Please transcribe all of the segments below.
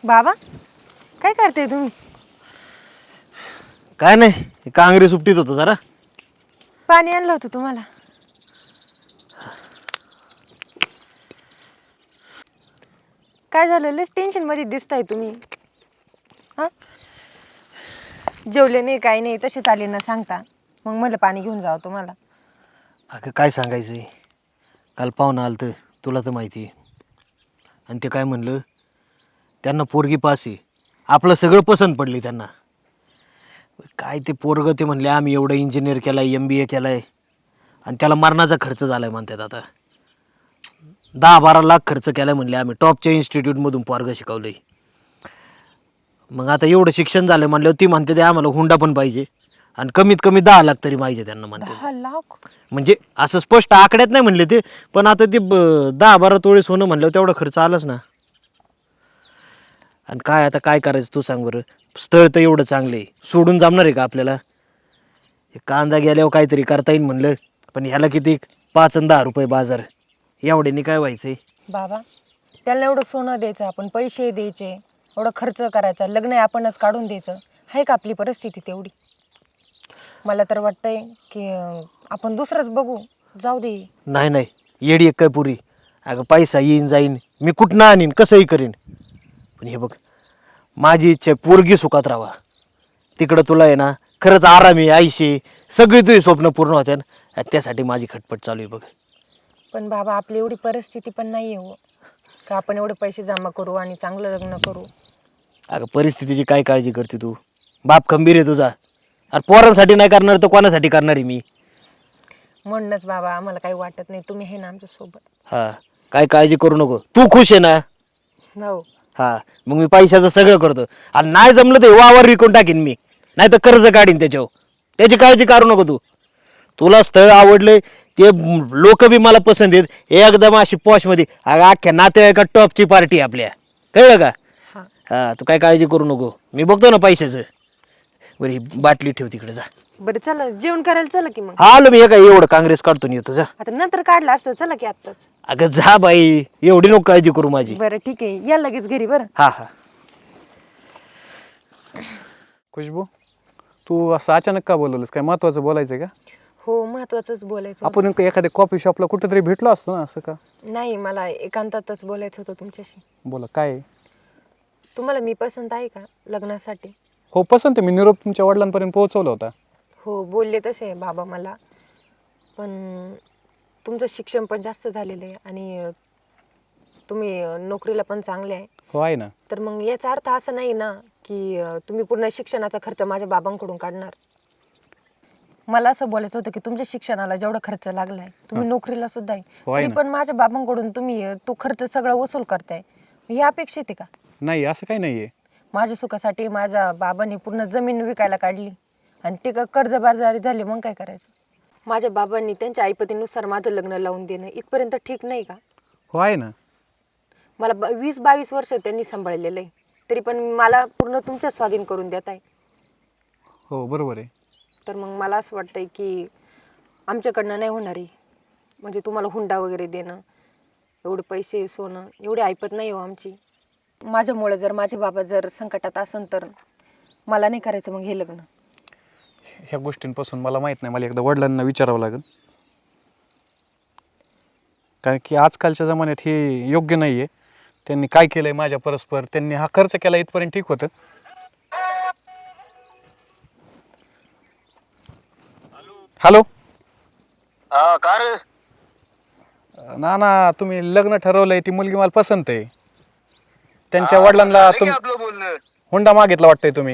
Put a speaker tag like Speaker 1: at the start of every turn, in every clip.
Speaker 1: बाबा काय करते तुम्ही?
Speaker 2: काय नाही, कांगरी सुट्टीत होतो जरा.
Speaker 1: पाणी आणलं होतं तुम्हाला. काय झालं? लय टेन्शन मध्ये दिसताय तुम्ही. हा, जेवले नाही काही नाही, तसे चाले ना सांगता. मग मला पाणी घेऊन जावं तुम्हाला.
Speaker 2: अगं काय सांगायचं, काल पाहुणं आलं तर तुला तर माहिती आहे. आणि ते काय म्हणलं, त्यांना पोरगी पास आहे, आपलं सगळं पसंत पडली त्यांना. काय ते पोरगं ते म्हणले आम्ही एवढं इंजिनियर केलं आहे, MBA केलं आहे, आणि त्याला मरणाचा खर्च झाला आहे म्हणतात. आता 10-12 लाख खर्च केला म्हणले, आम्ही टॉपच्या इन्स्टिट्यूटमधून पोरगं शिकवलं आहे. मग आता एवढं शिक्षण झालं म्हणल्यावर ती म्हणते ते आम्हाला हुंडा पण पाहिजे, आणि कमीत कमी 10 लाख तरी पाहिजे त्यांना म्हणते.
Speaker 1: 10 लाख?
Speaker 2: म्हणजे असं स्पष्ट आकड्यात नाही म्हणले ते, पण आता ते 10-12 तोळे सोनं म्हणल्यावर तेवढा खर्च आलाच ना. आणि काय आता काय करायचं तू सांग बरं. स्थळ तर एवढं चांगलं आहे, सोडून जमणार आहे का आपल्याला? हे कांदा गेल्यावर काहीतरी करता येईल म्हणलं, पण ह्याला किती 5 आणि 10 रुपये बाजार, एवढ्याने काय व्हायचंय?
Speaker 1: बाबा त्याला एवढं सोनं द्यायचं, आपण पैसे द्यायचे, एवढं खर्च करायचा, लग्न आपणच काढून द्यायचं, आहे का आपली परिस्थिती तेवढी? मला तर वाटतंय की आपण दुसरंच बघू, जाऊ दे.
Speaker 2: नाही नाही, येडी एक काय पुरी. अगं पैसा येईन जाईन, मी कुठनं आणीन, कसंही करीन, पण हे बघ माझी इच्छा आहे पोरगी सुखात राहावा. तिकडं तुला आहे ना खरंच आरामी आईशी सगळी तुझी स्वप्न पूर्ण होत्या ना, त्यासाठी माझी खटपट चालू आहे बघ.
Speaker 1: पण बाबा आपली एवढी परिस्थिती पण नाही आहे हो, का आपण एवढे पैसे जमा करू आणि चांगलं लग्न करू.
Speaker 2: अगं परिस्थितीची काय काळजी करते तू? बाप खंबीर आहे तुझा. अरे पोरांसाठी नाही करणार तर कोणासाठी करणार आहे मी?
Speaker 1: म्हणूनच बाबा आम्हाला काही वाटत नाही, तुम्ही आहे ना आमच्या सोबत.
Speaker 2: हा, काय काळजी करू नको, तू खुश आहे ना?
Speaker 1: हो.
Speaker 2: हा, मग मी पैशाचं सगळं करतो, आणि नाही जमलं तर वावर विकून टाकीन मी, नाही तर कर्ज काढीन त्याच्यावर. त्याची काळजी करू नको तू. तुला स्थळ आवडलंय, ते लोक बी मला पसंत आहेत, एकदम अशी पॉशमध्ये. अगं अख्ख्या नातेवाईका टॉपची पार्टी आपल्या, कळलं का?
Speaker 1: हां
Speaker 2: हा, तू काय काळजी करू नको, मी बघतो ना पैशाचं. बरं ही बाटली ठेव तिकडे जा.
Speaker 1: बरं चला जेवण करायला, चला की मग.
Speaker 2: हा आलो मी, काय एवढं काँग्रेस काढतो नाही येतो, जा.
Speaker 1: आता नंतर काढलं असतं, चला की आत्ताच.
Speaker 2: अगं जा बाई, एवढी नको काळजी करू माझी.
Speaker 1: बरं ठीक आहे, या लगेच घरी. बरं.
Speaker 2: हा हा.
Speaker 3: खुशबू, तू असं अचानक का बोलवलंस? काय महत्वाचं बोलायचं आहे का?
Speaker 1: हो, महत्वाचंच बोलायचं होतं.
Speaker 3: आपण नेमकं एखाद्या कॉफी शॉपला कुठेतरी भेटलो असतो ना, असं का?
Speaker 1: नाही, मला एकांतातच बोलायचं होतं तुमच्याशी.
Speaker 3: बोला काय आहे?
Speaker 1: तुम्हाला मी पसंत आहे का लग्नासाठी?
Speaker 3: हो पसंत आहे, मी निरोप तुमच्या वडिलांपर्यंत पोहोचवला होता.
Speaker 1: हो, बोलले तसे बाबा मला, पण तुमचं शिक्षण पण जास्त झालेलं आहे आणि तुम्ही नोकरीला पण चांगले आहे.
Speaker 3: हो आहे ना.
Speaker 1: तर मग याचा अर्थ असा नाही ना की तुम्ही पूर्ण शिक्षणाचा खर्च माझ्या बाबांकडून काढणार. मला असं बोलायचं होतं की तुमच्या शिक्षणाला जेवढा खर्च लागलाय, तुम्ही नोकरीला सुद्धा आहे,
Speaker 3: हो आहे
Speaker 1: तरी
Speaker 3: ना.
Speaker 1: पण माझ्या बाबांकडून तुम्ही तो खर्च सगळा वसूल करताय. ही अपेक्षित आहे का?
Speaker 3: नाही असं काही नाही आहे.
Speaker 1: माझ्या सुखासाठी माझ्या बाबांनी पूर्ण जमीन विकायला काढली आणि ते कर्जबाजारी झाले, मग काय करायचं? माझ्या बाबांनी त्यांच्या आईपतीनुसार माझं लग्न लावून देणं इथपर्यंत ठीक नाही का?
Speaker 3: हो आहे ना.
Speaker 1: मला 20-22 वर्ष त्यांनी सांभाळलेलं आहे, तरी पण मला पूर्ण तुमच्या स्वाधीन करून देत आहे.
Speaker 3: हो बरोबर आहे.
Speaker 1: तर मग मला असं वाटतंय की आमच्याकडनं नाही होणार आहे, म्हणजे तुम्हाला हुंडा वगैरे देणं, एवढे पैसे सोनं एवढी ऐपत नाही हो आमची. माझ्यामुळे जर माझे बाबा जर संकटात असन तर मला नाही करायचं मग हे लग्न.
Speaker 3: ह्या गोष्टींपासून मला माहीत नाही, मला एकदा वडिलांना विचारावं लागेल, कारण की आजकालच्या जमान्यात हे योग्य नाही आहे. त्यांनी काय केलं आहे माझ्या परस्पर, त्यांनी हा खर्च केला इथपर्यंत ठीक होतं. हॅलो.
Speaker 2: हा का रे?
Speaker 3: ना तुम्ही लग्न ठरवलंय, ती मुलगी मला पसंत आहे. त्यांच्या वडिलांना तुम्ही
Speaker 4: आपलं बोलणं
Speaker 3: हुंडा मागितला वाटतंय तुम्ही.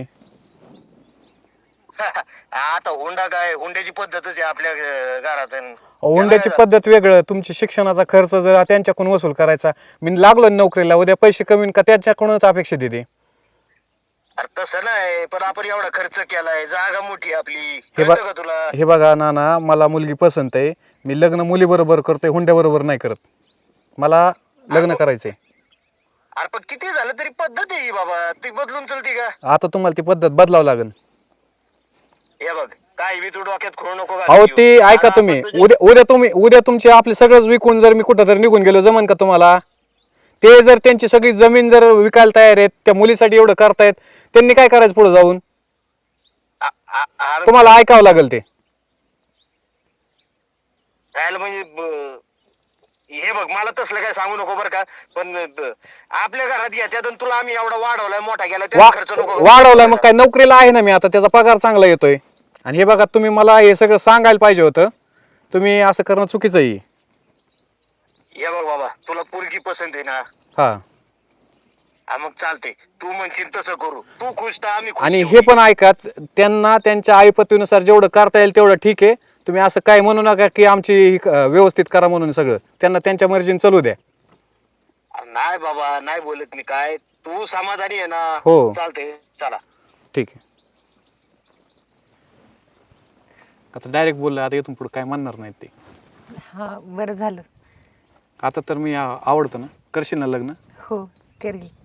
Speaker 4: आता हुंडा काय, हुंड्याची पद्धतच आहे आपल्या घरात.
Speaker 3: हुंड्याची पद्धत वेगळं, तुमची शिक्षणाचा खर्च जर त्यांच्याकडून वसूल करायचा. मी लागलो नोकरीला, उद्या पैसे कमी का त्यांच्याकडूनच अपेक्षा देते.
Speaker 4: अरे तसं नाही, पण आपण एवढा खर्च केलाय, जागा मोठी आपली,
Speaker 3: हे
Speaker 4: कळतं का तुला?
Speaker 3: हे बघा नाना, मला मुलगी पसंत आहे, मी लग्न मुलीबरोबर करतोय, हुंड्याबरोबर नाही करत. मला लग्न करायचंय.
Speaker 4: अरे पण किती झालं तरी पद्धत आहे ही बाबा, ती बदलून चलती का?
Speaker 3: आता तुम्हाला ती पद्धत बदलावं लागेल.
Speaker 4: हे बघ, काय बी तू डोक्यात खोडू नको.
Speaker 3: अहो ते ऐका तुम्ही, उद्या तुमचे आपले सगळंच विकून जर मी कुठं जर निघून गेलो, जमन का तुम्हाला? ते जर त्यांची सगळी जमीन जर विकायला तयार आहेत, त्या मुलीसाठी एवढं करतायत, त्यांनी काय करायचं पुढे जाऊन?
Speaker 4: अरे
Speaker 3: तुम्हाला ऐकावं लागेल ते.
Speaker 4: राहिलं म्हणजे हे बघ, मला तसलं काय सांगू नको बरं का, पण आपल्या घरात घेत्यात आणि तुला आम्ही एवढा वाढवलाय, मोठा केला, त्याचा खर्च नको.
Speaker 3: वाढवलाय मग काय, नोकरीला आहे ना मी आता, त्याचा पगार चांगला येतोय. आणि हे बघा, तुम्ही मला हे सगळं सांगायला पाहिजे होतं. तुम्ही असं करणं चुकीचं आहे.
Speaker 4: हे बघ बाबा, तुला पोरगी पसंत आहे ना,
Speaker 3: हा,
Speaker 4: मग चालते, तू म्हणशील तसं करू, तू खुश तर आम्ही खुश.
Speaker 3: आणि हे
Speaker 4: शेवटी.
Speaker 3: पण ऐका, त्यांना त्यांच्या आईपतीनुसार जेवढं करता येईल तेवढं ठीक आहे. तुम्ही असं काय म्हणू नका की आमची व्यवस्थित करा म्हणून. सगळं त्यांना त्यांच्या मर्जीने चालू द्या.
Speaker 4: नाही बाबा, नाही बोलत मी काय, तू समाधानी आहे ना?
Speaker 3: हो.
Speaker 4: चालते, चला.
Speaker 3: ठीक आहे. आता डायरेक्ट बोललं, आता इथून पुढे काय म्हणणार नाहीत ते.
Speaker 1: हां बरं झालं.
Speaker 3: आता तर मी आवडतं ना, करशील ना लग्न?
Speaker 1: हो करेल.